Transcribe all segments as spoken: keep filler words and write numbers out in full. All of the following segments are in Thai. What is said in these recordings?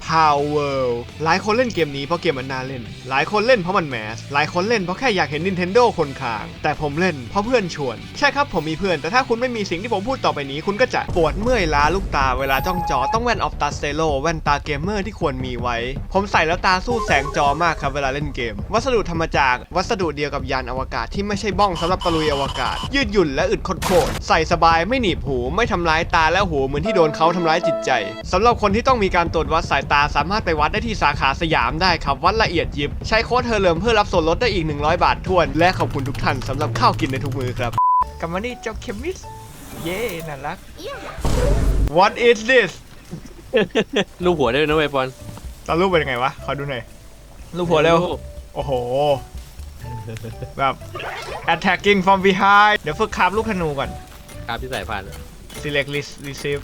Palworld หลายคนเล่นเกมนี้เพราะเกมมันน่าเล่นหลายคนเล่นเพราะมันแมสหลายคนเล่นเพราะแค่อยากเห็น Nintendo คนค้างแต่ผมเล่นเพราะเพื่อนชวนใช่ครับผมมีเพื่อนแต่ถ้าคุณไม่มีสิ่งที่ผมพูดต่อไปนี้คุณก็จะปวดเมื่อยล้าลูกตาเวลาจ้องจอต้องแว่นออฟตาสเตโลแว่นตาเกมเมอร์ที่ควรมีไว้ผมใส่แล้วตาสู้แสงจอมากครับเวลาเล่นเกมวัสดุทำมาจากวัสดุเดียวกับยานอวกาศที่ไม่ใช่บ้องสำหรับตะลุยอวกาศยืดหยุ่นและอึดโคตรใส่สบายไม่หนีบหูไม่ทำร้ายตาและหูเหมือนที่โดนเขาทำร้ายจิตใจสำหรับคนที่ต้องมีการตรวจวัดสายตาสามารถไปวัดได้ที่สาขาสยามได้ครับวัดละเอียดยิบใช้โค้ดเฮอร์เลิมเพื่อรับส่วนลดได้อีกหนึ่งร้อยบาททวนและขอบคุณทุกท่านสำหรับข้าวกินในทุกมื้อครับกลับมานี่เจ้าเคมิสเย่น่ารัก What is this รูปหัวได้ด้วยนะเว้ยปอนตอนรูปเป็นยังไงวะขอดูหน่อยรูปหัวเร็วโอ้โหแบบ attacking from behind เดี๋ยวฝึกคาบลูกธนูก่อนครับที่สายพันธุ์ select list receive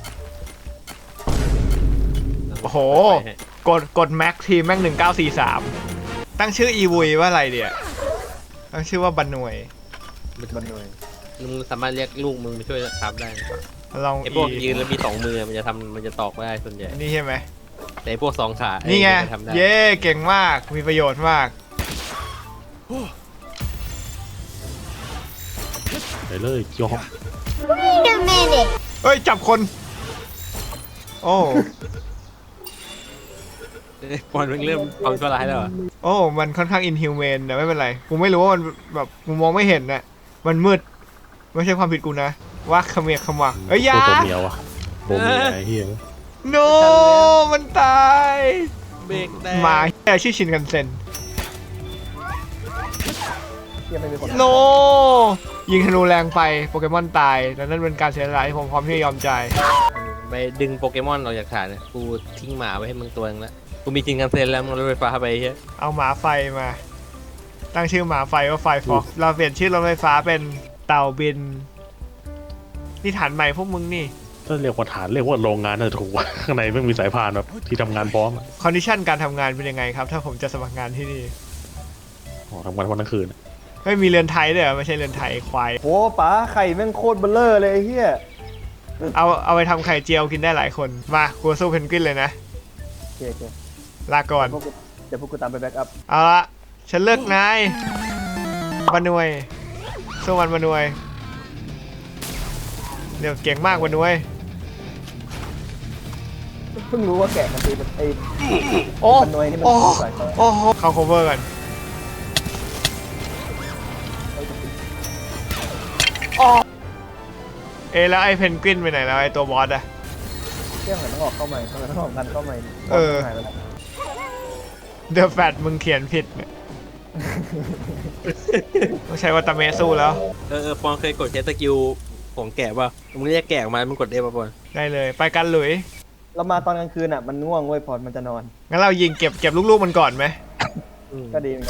โอ้โหกดกด max ทีแม่งหนึ่งเก้าสี่สามตั้งชื่ออีวุยว่าอะไรเดี๋ยตั้งชื่อว่าบันหน่วยบันหน่วยมึงสามารถเรียกลูกมึงมาช่วยครับได้ลองไอ้พวกยืนแล้วมีสองมือมันจะทำมันจะตอกได้ส่วนใหญ่นี่ใช่ไหมแต่พวกสองขานี่ไงเย่เก่งมากมีประโยชน์มากไปเลยจอบ Wait a minute เฮ้ยจับคนโอ้ปอนเริ่มความชั่วร้ายแล้วเหรอโอ้มันค่อนข้างอินฮิวแมนแต่ไม่เป็นไรกูไม่รู้ว่ามันแบบกูมองไม่เห็นน่ะมันมืดไม่ใช่ความผิดกูนะว่าขมีขมักเอ้ยยาตัวเมียวอะโบเมียไอ้เฮีย no มันตายเบรกได้หมาแต่ชื่อชินกันเซ็น no ยิงธนูแรงไปโปเกมอนตายแต่นั่นเป็นการเสียสละที่ผมพร้อมที่จะยอมใจายไปดึงโปเกมอนออกจากฐานนะกูทิ้งหมาไว้ให้มึงตัวนึงแล้วกูมีจริงกันเซ็นแล้วมึงรถไฟฟ้าไปเฮ้ยเอาหมาไฟมาตั้งชื่อหมาไฟว่าไฟฟ็อกเราเปลี่ยนชื่อรถไฟฟ้าเป็นเต่าบินนี่ฐานใหม่พวกมึงนี่ถ้าเรียกว่าฐานเรียกว่าโรงงานน่าจะถูกว่าข้างในไม่มีสายพานแบบที่ทำงานพร้อมคอนดิชันการทำงานเป็นยังไงครับถ้าผมจะสมัครงานที่นี่อ๋อทำงานวันทั้งคืนไม่มีเรือนไทยด้วยไม่ใช่เรือนไทยควายโอ้ป๋าไข่แม่งโคตรเบลเลอร์เลยไอ้เหี้ยเอาเอาไปทำไข่เจียวกินได้หลายคนมากูสู้เพนกวินเลยนะโอเคโอเคลาก่อนเดี๋ยวพวกกูตามไปแบ็กอัพเอาละฉันเลือกนายบันนวยสู้มันบันนวยเดี๋ยวเก่งมากบันนวยเพิ่งรู้ว่าแกะมันตีเป็นไอ้โอ้บันนวยนี่มันสายโอ้โหเข้า cover กันเอแล้วไอ้เพนกวินไปไหนแล้วไอ้ตัวบอสอะเรื่องมันต้องออกเข้าใหม่ต้องต้องออกกันเข้าใหม่เออเดอะแฟตมึงเขียนผิดเนี่ยต้องใช้วัตเมสู้แล้วเออปอนเคยกดใช้สกิลของแกะป่ะมึงเรียกแกะออกมามึงกดเอฟป่ะปอนได้เลยไปกันหลุยเรามาตอนกลางคืนอ่ะมันง่วงเว้ยพอมันจะนอนงั้นเรายิงเก็บเก็บลูกๆมันก่อนไหมก็ดี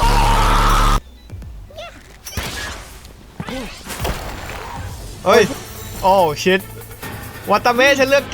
เฮ้ยโอ้ชิตวัตเมฉันเลือกแก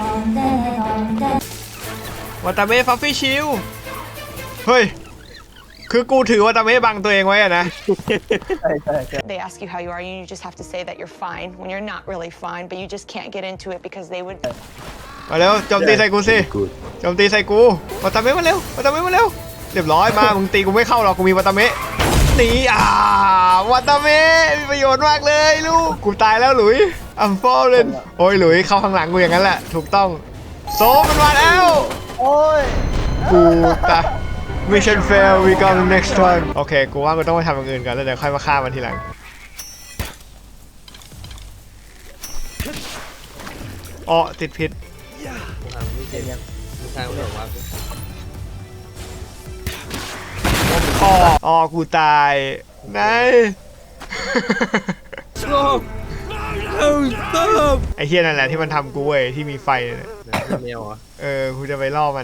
วัตเมฟัฟฟี่ชิลเฮ้ยคือกูถือวัตเมบังตัวเองไว้อะนะ They ask you how you are, you just have to say that you're fine when you're not really fine, but you just can't get into it because they would. มาเร็วโจมตีใส่กูสิโจมตีใส่กูวัตเมมาเร็ววัตเมมาเร็วเรียบร้อยมามึงตีกูไม่เข้าหรอกกูมีวัตเมหนีอ่าวัตเมมีประโยชน์มากเลยลูกกูตายแล้วหลุยอัมฟอลเลนโอ้ยหลุยเข้าข้างหลังกูอย่างนั้นแหละถูกต้องโซมันมาแล้วโอ้ยกูตาย Mission fail we go to next one โอเคกูว่ากูต้องไปทำอย่างอื่นก่อนแล้วเดี๋ยวค่อยมาฆ่ามันทีหลังอ๋อติดพิษอ๋ออ๋อกูตายไงไอ้เฮียนั่นแหละที่มันทำกูเว้ยที่มีไฟเนี่ยเออกูจะไปล่อมัน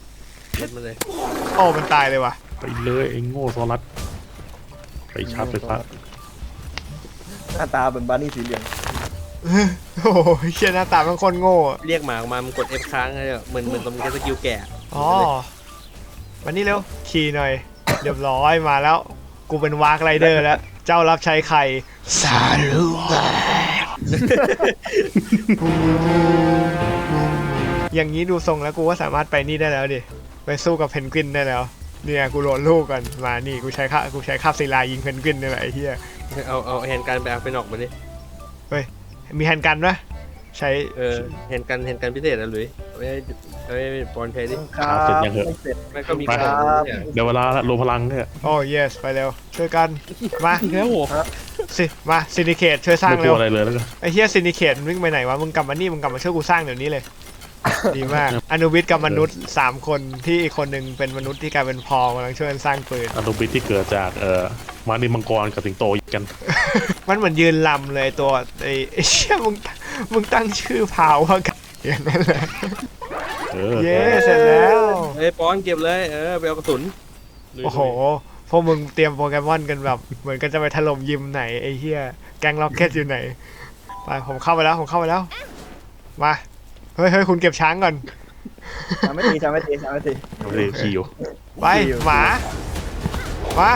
โอ้มันตายเลยว่ะไปเลยไอ้โง่โซลัสไปชาร์จไฟฟ้าหน้าตาเป็นบาร์นี่สีเหลืองโอ้ยเชี่ยหน้าตาเป็นคนโง่เรียกหมาออกมามึงกด F ค้างเลยเหมือนเหมือนตรงนี้สกิลแกะอ๋อวันนี้เร็วขี่หน่อยเรียบร้อยมาแล้วกูเป็นวากไรเดอร์แล้วเจ้ารับใช้ไข่ซาลูอย่างนี้ดูทรงแล้วกูว่าสามารถไปนี่ได้แล้วดิไปสู้กับเพนกวินได้แล้วเนี่ยกูโหลดลูกก่อนมานี่กูใช้ค่ากูใช้คาบศิลายิงเพนกวินนี่แหละไอ้เหี้ยเอาเอาแฮนด์การไปเอาไปนอกมาดิมีแฮนด์กันปะใช้เออแฮนด์กันแฮนด์กันพิเศษนะหลุยเอาไว้เอาไว้บอลใช้ดิครับเสร็จยังเหรอไม่เสร็จมันก็มีไปกระสุนทุกอย่างเดี๋ยวเวลาละรวมพลังเนี่ยโอ้ yes ไปเร็วช่วยกันมาอีกแล้วโหสิมาซินิเคตช่วยสร้างไม่กเร็ลัววอะไรเลยแล้วก็ไอ้เฮียซินิเคตมันวิ่งไปไหนวะมึงกลับมานี่มึงกลับมาช่วยกูสร้างเดี๋ยวนี้เลย ดีมากอนุวิทย์กับมนุษย์สามคนที่อีกคนหนึ่งเป็นมนุษย์ที่กลายเป็นพอลกำลังช่วยกันสร้างปืนอนุบิตที่เกิดจากเอ่อมานิมังกรกับสิงโตกันมันเหมือนยืนลำเลยตัวไอ้ไอ้เชี่ยมึงมึงตั้งชื่อพาวว่ากันอย่างนั้นแหละเออเย้เสร็จแล้วเฮ้ยปอนเก็บเลยเออไปเอากระสุนโอ้โหพวกมึงเตรียมโปเกมอนกันแบบเหมือนกันจะไปถล่มยิมไหนไอ้เหี้ยแก๊งล็อกเก็ตอยู่ไหนไปผมเข้าไปแล้วผมเข้าไปแล้วมาเฮ้ยเฮ้ยคุณเก็บช้างก่อนสามนาทีสามนาทีสามนาทีเอาเลยขี่อยู่ไปหมามา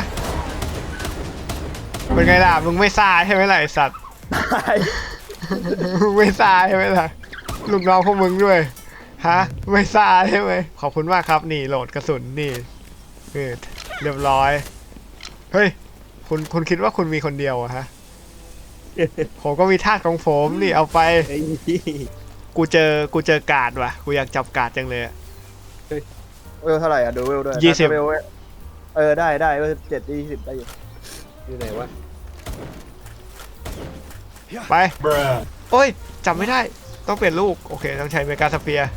เป็นไงล่ะมึงไม่ซ่าใช่ไหมล่ะไอสัตว์ มึงไม่ซ่าใช่ไหมล่ะลูกน้องพวกมึงด้วยฮะไม่ซ่าใช่ไหมขอบคุณมากครับนี่โหลดกระสุนนี่นี่เรียบร้อยเฮ้ยคุณคุณคิดว่าคุณมีคนเดียวอะฮะ ผมก็มีทาสของผมนี่เอาไปไอ้กูเจอกูเจอการ์ดว่ะกูอยากจับการ์ดจังเลยอะเวลเท่าไหร่อ่ะดูเวลด้วยยี่สิบเวลเออได้ได้เวลเจ็ดยี่สิบได้อยู่อยู่ไหนวะไปโอ้ยจับไม่ได้ต้องเปลี่ยนลูกโอเคต้องใช้เมกาสเปียร์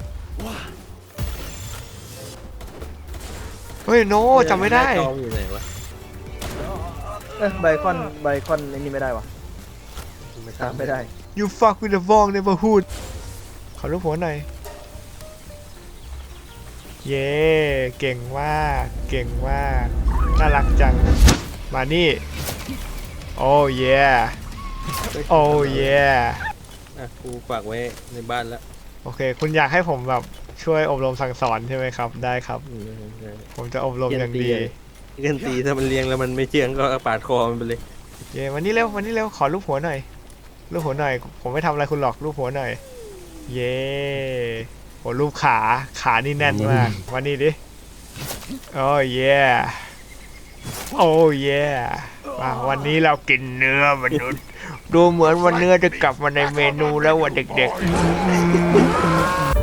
เฮ้ยโนจับไม่ได้หน้าจออยู่ไหนวะเอ้ยไบคอนไบคอนไอ้นี่ไม่ได้วะตามไม่ได้ You fuck with the wrong neighborhood ขอรูปหัวหน่อย เย้เก่งมากเก่งมากน่ารักจัง มานี่ โอ้เย่โอ้เย่อ่ะกูฝากไว้ในบ้านแล้วโอเค คุณอยากให้ผมแบบช่วยอบรมสั่งสอนใช่ไหมครับ ได้ครับอืมใช่ผมจะอบรมอย่างดีเกนตีถ้ามันเลี้ยงแล้วมันไม่เชื่องก็ปาดคอมันไปเลยเย้วันนี้เร็ววันนี้เร็วขอรูปหัวหน่อยรูปหัวหน่อย ผมไม่ทำอะไรคุณหรอกรูปหัวหน่อย เย้โหรูปขาขานี่แน่นมากวันนี้ดิโอ้เย่โอ้เย่มาวันนี้เรากินเนื้อมนุษย์ดูเหมือนวันเนื้อจะกลับมาในเมนูแล้ววันเด็กๆ